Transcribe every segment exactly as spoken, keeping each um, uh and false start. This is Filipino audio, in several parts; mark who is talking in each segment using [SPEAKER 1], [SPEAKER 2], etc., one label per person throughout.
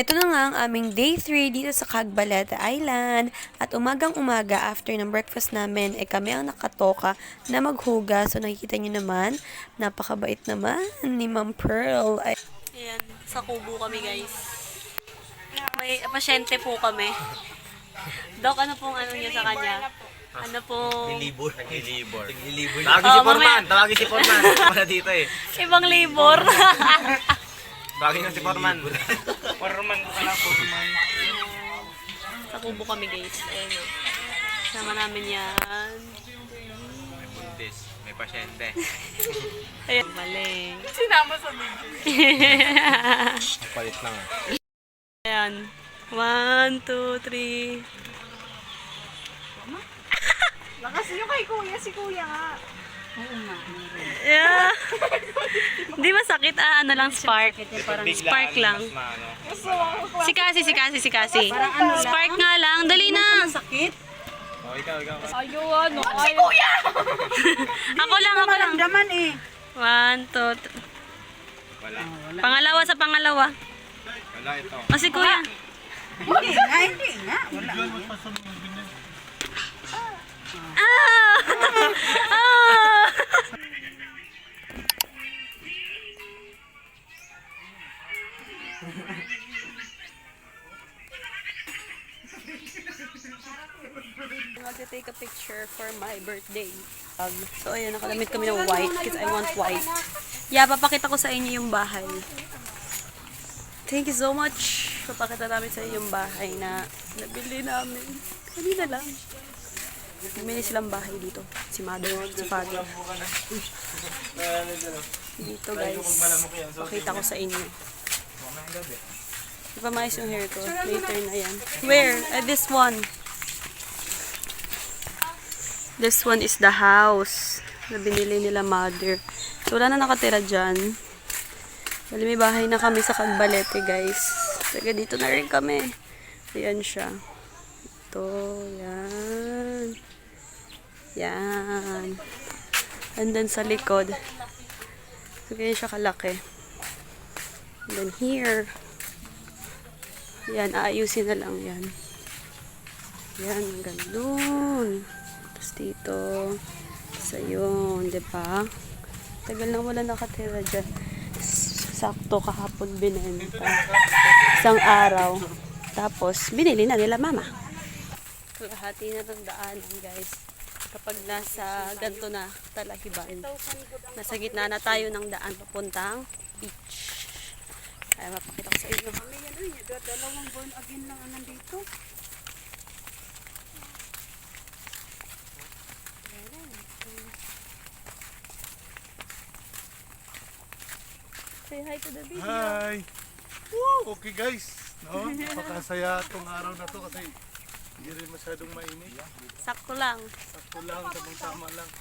[SPEAKER 1] Ito na nga ang aming day three dito sa Cagbalete Island. At umagang-umaga after ng breakfast namin, eh kami ang nakatoka na maghuga. So nakikita nyo naman, napakabait naman ni Ma'am Pearl. Ay ayan, sa kubo kami guys. May pasyente po kami. Dok, ano pong ano niya sa kanya? Ano pong...
[SPEAKER 2] Naglilibor. Naglilibor. Naglilibor.
[SPEAKER 1] Oh,
[SPEAKER 2] Tawagin si
[SPEAKER 1] mamaya-
[SPEAKER 2] Foreman. Tawagin si Foreman. Wala dito eh.
[SPEAKER 1] Ibang labor.
[SPEAKER 2] Tawagin na si Foreman. Foreman ko ka na, Foreman.
[SPEAKER 1] Sa kubo kami guys. Ayan o. Sama namin yan.
[SPEAKER 2] May buntis. May pasyente.
[SPEAKER 1] Ayan. Maling.
[SPEAKER 3] Sinama sa video.
[SPEAKER 2] Palit lang.
[SPEAKER 1] Ayan. One, two, three.
[SPEAKER 3] Lakas nyo kay kuya, si kuya nga.
[SPEAKER 1] Yeah. Di masakit ah. Ano lang, spark. Spark lang.
[SPEAKER 3] Gusto
[SPEAKER 1] Si Cassie, si Cassie, si Cassie. Spark nga lang. Dali na.
[SPEAKER 3] sakit.
[SPEAKER 2] Oh, ikaw, ikaw.
[SPEAKER 3] Ayaw ano. Si kuya!
[SPEAKER 1] Ako lang, ako lang.
[SPEAKER 3] Daman eh.
[SPEAKER 1] One, two, three.
[SPEAKER 2] Wala.
[SPEAKER 1] Pangalawa sa pangalawa.
[SPEAKER 2] Wala ito.
[SPEAKER 1] O si Kuya.
[SPEAKER 3] Hindi nga, hindi nga. Wala.
[SPEAKER 1] Ah! Ah! Mag-take a picture for my birthday. Um, so, ayun, nakalamit kami ng white because I want white. Yeah, papakita ko sa inyo yung bahay. Thank you so much. Papakita namin sa inyo yung bahay na nabili namin. Kanina lang. Bumili silang bahay dito. Si mother, si father. Dito guys. Pakita ko sa inyo. Ipamayos yung hair ko. Later na yan. Where? Uh, this one. This one is the house na binili nila mother. So, wala na nakatira dyan. Bali, may bahay na kami sa Cagbalete, guys. Taga dito na rin kami. Ayan siya. Ito, yan. Yan. And then sa likod. So, ganyan siya kalaki. And then here. Yan, aayusin na lang yan. Yan, hanggang dun. Tapos dito. Sa yun, diba? Tagal na wala nakatira dyan. Sakto kahapon binenta. Isang araw. Tapos, binili na nila mama. Kalahati na ng daanan, guys. Kapag nasa ganito na Talahiban. Nasa gitna na tayo ng daan papuntang beach. Ay, mapakita ko sa inyo.
[SPEAKER 3] Dalawang born again lang ang nandito.
[SPEAKER 1] Say hi to the video.
[SPEAKER 4] Hi! Woo! Okay guys, no? Napakasaya itong araw na to kasi hindi rin masyadong mainit.
[SPEAKER 1] Sakto lang.
[SPEAKER 4] Sakto lang, tamang-tama lang.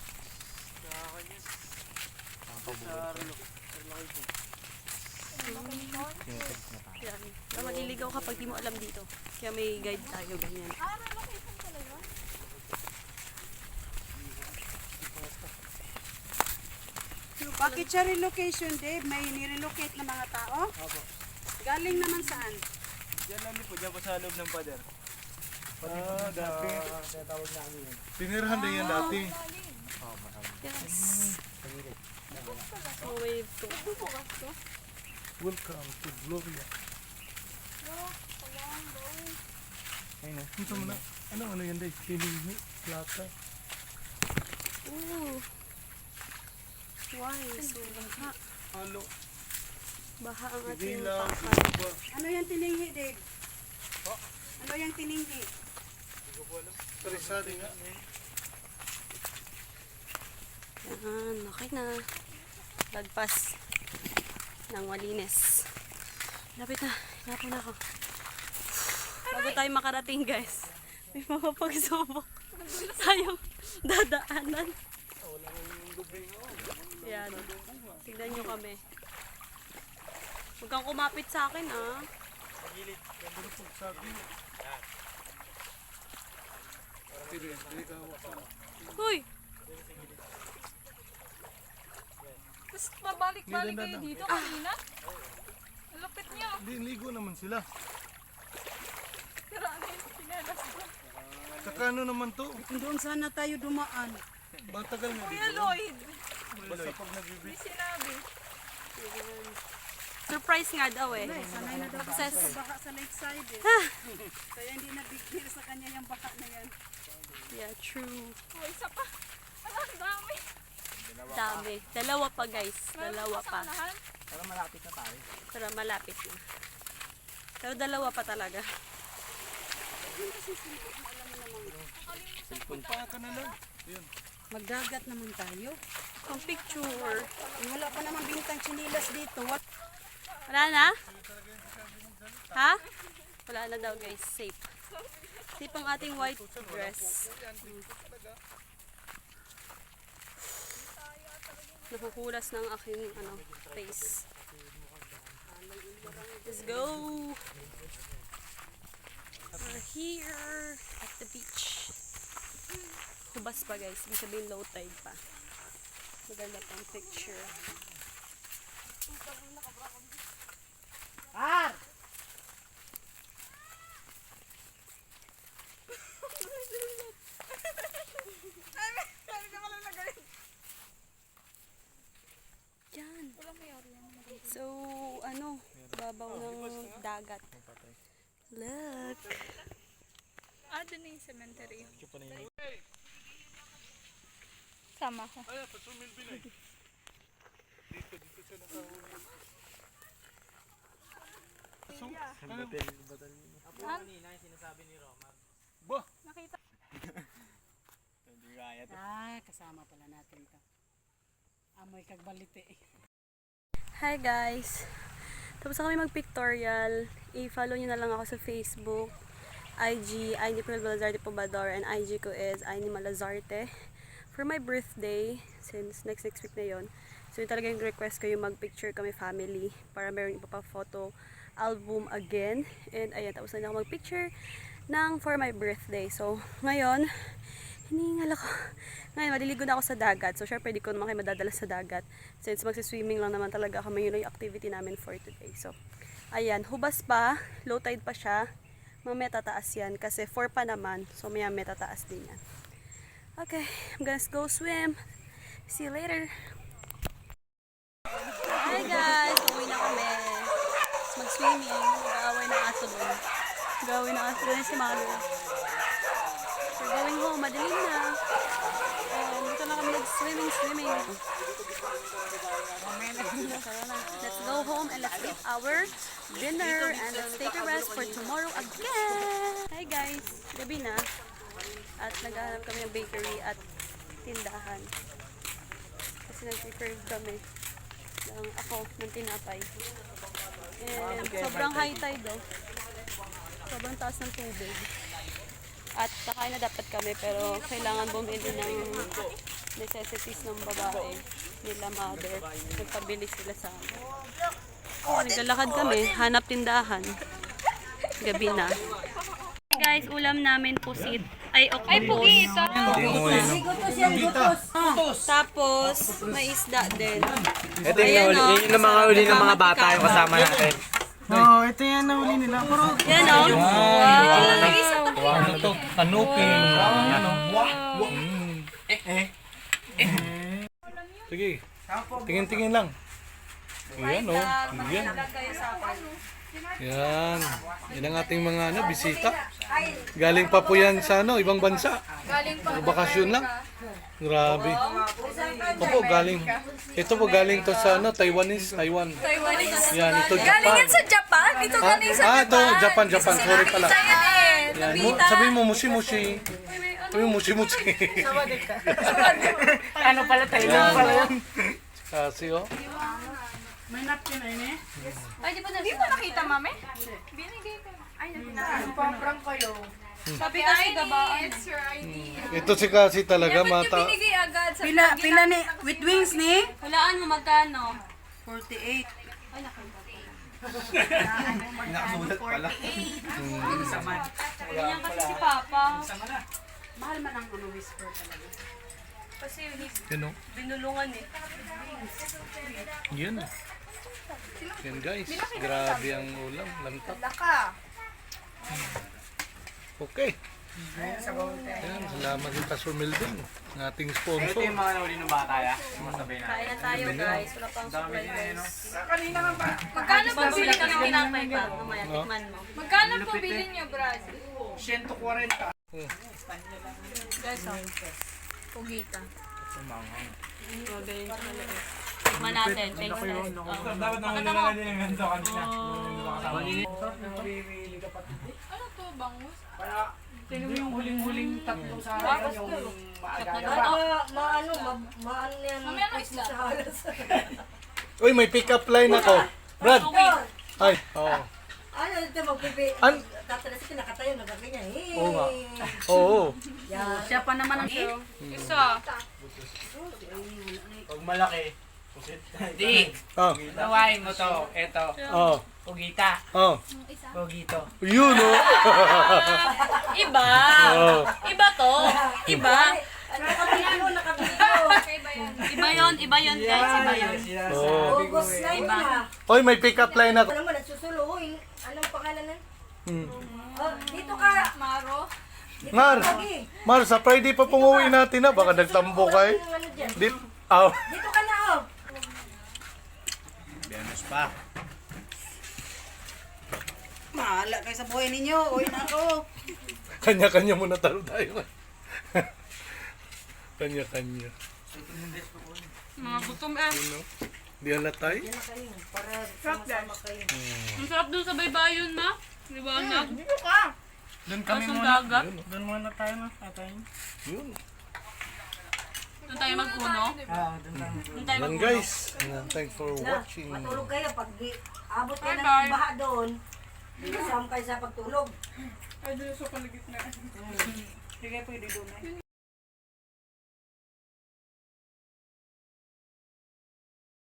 [SPEAKER 1] Yan. Kaya maliligaw kapag di mo alam dito. Kaya may guide tayo, ganyan.
[SPEAKER 3] Bakit siya relocation, Dave? May nirelocate na mga tao? Galing naman saan?
[SPEAKER 2] Diyan lang po, diyan po sa loob ng pader.
[SPEAKER 4] Ah, dati. Tinirahan din yan dati.
[SPEAKER 1] Yes. So, wave to.
[SPEAKER 4] Welcome to Gloria.
[SPEAKER 2] Ayun na.
[SPEAKER 4] Ito mo na. Ano, ano yan day? Tinihi, plata.
[SPEAKER 1] Ooh. Why? So, baha.
[SPEAKER 4] Halo.
[SPEAKER 1] Baha ang
[SPEAKER 4] Hindi
[SPEAKER 1] ating
[SPEAKER 4] lang.
[SPEAKER 1] pakay.
[SPEAKER 3] Ano yung tininghi, Dave? Ano yung tininghi?
[SPEAKER 4] Karisari nga.
[SPEAKER 1] Yan, okay na. Lagpas ng Walines. Lapit na. Lapit na ako. Bago tayo makarating, guys. May mga pagsubok. Sayang dadaanan. Yan. Tignan nyo kami. Huwag kang kumapit sa akin, ah. Hoy!
[SPEAKER 5] Tapos pabalik-balik kayo dito kanina? Lupit niyo.
[SPEAKER 4] Hindi, ligo naman sila.
[SPEAKER 5] Sira na yung sinelas ko.
[SPEAKER 4] Saka ano naman to?
[SPEAKER 3] Doon sana tayo dumaan.
[SPEAKER 4] Matagal na
[SPEAKER 5] Kuya
[SPEAKER 4] dito.
[SPEAKER 5] Lloyd.
[SPEAKER 4] Basta pag nagbibig.
[SPEAKER 5] May sinabi.
[SPEAKER 1] Surprise nga daw eh.
[SPEAKER 3] Sanay na daw
[SPEAKER 1] Success.
[SPEAKER 3] sa baka sa lakeside eh. Kaya hindi na big deal sa kanya yung baka na yan.
[SPEAKER 1] Yeah, true.
[SPEAKER 5] Oh, isa pa. Ala, ang dami.
[SPEAKER 1] Dami. Dalawa pa guys. Dalawa pa.
[SPEAKER 5] Kasalahan.
[SPEAKER 2] Para malapit na tayo.
[SPEAKER 1] Pero malapit na. Pero dalawa pa talaga.
[SPEAKER 4] Pa ka na lang. Yun.
[SPEAKER 3] Magdagat naman tayo.
[SPEAKER 1] Ang picture.
[SPEAKER 3] Wala pa naman bintang chinilas dito. What?
[SPEAKER 1] Wala na? Ha? Wala na daw guys. Safe. Safe ang ating white dress. Nakukulas ng aking ano, face. Let's go! We're here at the beach. Hubas pa guys. Ibig sabihin low tide pa. Maganda pang picture.
[SPEAKER 3] Ar!
[SPEAKER 1] Yan. So, ano, babaw ng dagat. Look.
[SPEAKER 5] Ah, doon na yung cemetery. Sama ko.
[SPEAKER 4] Ay, pasumil binay. Dito, dito siya nakahuli. Pasum? Ano?
[SPEAKER 2] Kanina yung sinasabi ni Roma.
[SPEAKER 4] Bah!
[SPEAKER 5] Nakita.
[SPEAKER 2] Hindi kaya to.
[SPEAKER 3] Ah, kasama pala natin to. Amoy kagbalite eh.
[SPEAKER 1] Hi guys! Tapos na kami mag-pictorial. I-follow nyo na lang ako sa Facebook, I G, Aini Malazarte Pobador, and I G ko is Aini Malazarte. For my birthday, since next next week na yon, so yun talaga yung request ko yung mag-picture kami family para meron iba pa photo album again. And ayan, tapos na ako mag-picture ng for my birthday. So ngayon, hinihingal ako. Ngayon, maliligo na ako sa dagat. So, syempre, di ko naman kayo madadala sa dagat. Since magsiswimming lang naman talaga kami, yun yung activity namin for today. So, ayan, hubas pa. Low tide pa siya. Mamaya tataas yan. Kasi four pa naman. So, maya may tataas din yan. Okay, I'm gonna go swim. See you later. Hi guys! Uwi na kami. Tapos mag-swimming. Mag-aaway na aso doon. Mag-aaway na aso doon si Malu. We're going home. Madilim na. Um, dito na kami nag-swimming, swimming. Tara na. Let's go home and let's eat our dinner and let's take a rest for tomorrow again. Hi guys! Gabi na. At naghahanap kami ng bakery at tindahan. Kasi nag-crave kami. Ng ako ng tinapay. And sobrang high tide daw. Sobrang taas ng tubig. At kakain na dapat kami pero kailangan bumili ng necessities ng babae nila mother. Nagpabili sila sa amin. Oh, naglalakad kami, hanap tindahan. Gabi na. Guys, ulam namin pusit. Ay, okay. Ay, pugi ito. Tapos, may isda din.
[SPEAKER 2] Ito yung,
[SPEAKER 1] Ayan,
[SPEAKER 2] yun yung mga uli ng mga bata yung kasama natin.
[SPEAKER 6] Oo, ito yan na uli nila. Pero
[SPEAKER 1] Yan o. Wow.
[SPEAKER 6] ano to? Kanupin. Ano?
[SPEAKER 4] Sige. Tingin-tingin lang. Yan o. Yan. Yan. Yan ang ating mga ano, bisita. Galing pa po yan sa ano, ibang bansa.
[SPEAKER 5] Galing pa.
[SPEAKER 4] Bakasyon lang. Grabe. Opo, galing. Ito po galing to sa ano, Taiwanese, Taiwan.
[SPEAKER 5] Taiwanese.
[SPEAKER 4] Yan, ito
[SPEAKER 5] Galing
[SPEAKER 4] Japan.
[SPEAKER 5] yan sa Japan. Ito
[SPEAKER 4] Ah,
[SPEAKER 5] galing sa
[SPEAKER 4] ah, ito,
[SPEAKER 5] Japan.
[SPEAKER 4] Japan, Japan. Sorry pala.
[SPEAKER 5] Yan
[SPEAKER 4] Yan. Mo, sabi mo, mushi-mushi. Sabi mo, mushi-mushi.
[SPEAKER 6] Ano pala tayo? Ano pala yan?
[SPEAKER 4] Kasi oh.
[SPEAKER 3] May napkin na yun eh.
[SPEAKER 5] Ay, di ba na- di mo nakita, mami? Binigay ko. Ay, napaprank kayo. Sabi kasi gabaan. It's your idea.
[SPEAKER 4] Ito si Kasi talaga, mata.
[SPEAKER 5] Binigay agad sa
[SPEAKER 3] Pila, pila ni, with wings ni?
[SPEAKER 1] Hulaan mo magkano?
[SPEAKER 3] forty-eight.
[SPEAKER 2] Nakasulat pala.
[SPEAKER 1] Ganyan kasi si Papa.
[SPEAKER 3] Mahal man ang ano whisper talaga.
[SPEAKER 1] Kasi
[SPEAKER 4] Yun oh.
[SPEAKER 1] binulungan eh.
[SPEAKER 4] Yun. Yan guys, grabe ang ulam. Lantak.
[SPEAKER 5] Laka.
[SPEAKER 4] Okay. Yan, salamat din pa Sumilding, ng ating sponsor.
[SPEAKER 2] Ito yung mga nahuli ng bata ya. Masabay na.
[SPEAKER 1] Kain na tayo guys. Wala pang supply guys.
[SPEAKER 2] Kanina nga ba?
[SPEAKER 5] Magkano po
[SPEAKER 1] Bumili
[SPEAKER 5] bilhin
[SPEAKER 1] ka ng
[SPEAKER 5] nyo?
[SPEAKER 1] tinapay pa. Mamaya, tikman mo.
[SPEAKER 5] Magkano po bilhin nyo, Brad?
[SPEAKER 2] one forty.
[SPEAKER 5] Guys, oh. Pugita.
[SPEAKER 1] Oh, ganyan siya maliit. Tikman natin. Thanks guys. Oh.
[SPEAKER 2] Dapat nahuli na natin yung ganito kanina.
[SPEAKER 5] Ano to, bangus?
[SPEAKER 6] Tingnan mo yung huling-huling tatlo sa akin, yung maaga-aga.
[SPEAKER 7] maano, ma, maano yan.
[SPEAKER 5] Mamaya ano isla?
[SPEAKER 4] Uy, may pick-up line ako. Brad! Ay, oo.
[SPEAKER 7] Ano, ito magpipi.
[SPEAKER 4] An-
[SPEAKER 7] Tatalas ka nakatayo, nagkaganyan. Hey.
[SPEAKER 4] Oo nga. Oo.
[SPEAKER 7] Yan.
[SPEAKER 1] Siya pa naman ang
[SPEAKER 5] Isa.
[SPEAKER 2] Pag malaki. Di.
[SPEAKER 4] Oh.
[SPEAKER 6] Nawain mo to, eto,
[SPEAKER 4] Oh.
[SPEAKER 6] pugita,
[SPEAKER 4] Oh.
[SPEAKER 6] pugito.
[SPEAKER 4] Yun, oh.
[SPEAKER 1] Iba!
[SPEAKER 4] Oh.
[SPEAKER 1] Iba to! Iba!
[SPEAKER 7] Nakabilo, nakabilo.
[SPEAKER 1] Iba yon, iba yon guys, iba yon.
[SPEAKER 4] Oh.
[SPEAKER 7] August nine na.
[SPEAKER 4] Oy, may pick-up line ako.
[SPEAKER 7] Ano naman, nagsusulo. Uy, anong pangalan nun?
[SPEAKER 4] Hmm.
[SPEAKER 7] Oh, dito ka.
[SPEAKER 5] Maro.
[SPEAKER 7] Dito
[SPEAKER 4] Mar,
[SPEAKER 7] ka lagi.
[SPEAKER 4] Mar, sa Friday pa pong uwi natin na. Baka nagtambo kay.
[SPEAKER 7] Ano, ano dyan?
[SPEAKER 4] Dip. Oh.
[SPEAKER 7] Dito ka na, oh.
[SPEAKER 2] Biyanos pa.
[SPEAKER 3] Mahala kayo sa buhay ninyo. Uy, nako.
[SPEAKER 4] Kanya-kanya muna talo tayo. Kanya-kanya.
[SPEAKER 1] Mga gutom eh.
[SPEAKER 4] Ano? Di halatay?
[SPEAKER 7] Yan na kayo. Para sama-sama kayo.
[SPEAKER 1] Ang sarap dun sa baybayon, ma. Di ba, anak?
[SPEAKER 6] Doon kami
[SPEAKER 1] Kasong
[SPEAKER 6] muna.
[SPEAKER 1] dagat.
[SPEAKER 6] Doon muna tayo na, tatay.
[SPEAKER 4] Yun.
[SPEAKER 1] Doon tayo magpuno.
[SPEAKER 6] Ah, doon tayo.
[SPEAKER 1] Doon tayo
[SPEAKER 4] Yan
[SPEAKER 1] magpuno.
[SPEAKER 4] guys. And thanks for
[SPEAKER 7] Na,
[SPEAKER 4] watching.
[SPEAKER 7] matulog kayo. Pag di, abot kayo ng
[SPEAKER 1] Bye-bye.
[SPEAKER 7] baha doon, kasama kayo sa pagtulog.
[SPEAKER 5] Ay, doon sa paligid na.
[SPEAKER 3] Sige, pwede doon eh.